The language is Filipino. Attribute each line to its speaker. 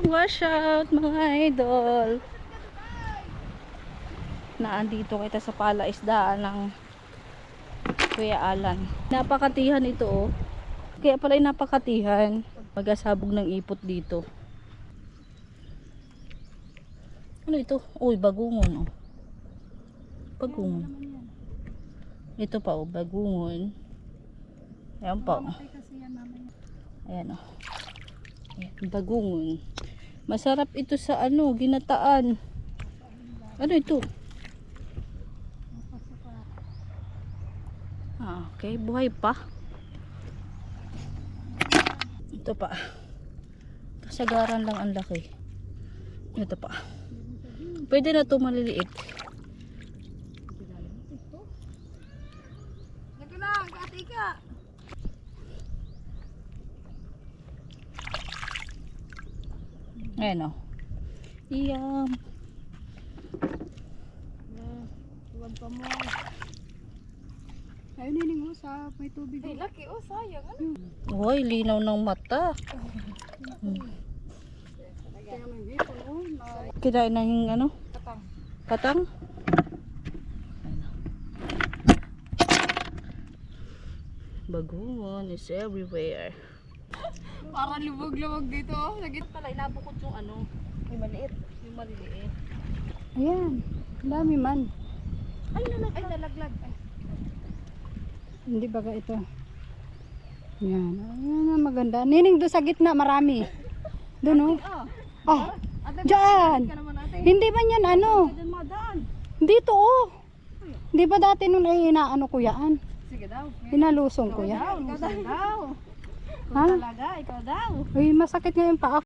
Speaker 1: Wash out mga idol. Naandito kita sa palaisdaan ng Kuya Alan. Napakatihan ito oh. Kaya pala yung napakatihan. Magasabog ng ipot dito. Ano ito? Uy, bagungon oh. Bagungon. Ito pa oh, bagungon. Ayan pa oh. Ayan oh. Ayan, bagungon. Masarap ito sa ano, ginataan. Ano ito? Ah, okay, buhay pa. Ito pa. Kasagaran lang ang laki. Ito pa. Pwede na ito maliliit.
Speaker 2: Lagi lang, katika.
Speaker 1: Ayan o. Iyam.
Speaker 2: Tuwag pa mo. Ayun nining usap, may tubig. Ay, laki oh, sayang. Ano?
Speaker 1: Hoy, linaw ng mata.
Speaker 2: Kaya may hipon oh.
Speaker 1: Kinain na yung ano?
Speaker 2: Katang.
Speaker 1: Katang? Bagungon is everywhere.
Speaker 2: Parang lubog-lubog dito oh. Lagi pala inabukod yung ano. Yung maliit. Yung maliliit. Ayan. Ang dami man. Ay, nalaglag. Ay, nalaglag. Ay. Hindi baga ito. Yan. Ayan, maganda. Nining doon sa gitna, marami. Doon oh. Oh. Diyan. Hindi man yan ano. Dito oh. Hindi ba dati nung ay inaano ko yan? Sige daw. Inalusong ko yan.
Speaker 1: Ikaw daw.
Speaker 2: Ha?
Speaker 1: Talaga, ikaw daw.
Speaker 2: Uy, masakit nga yung paa.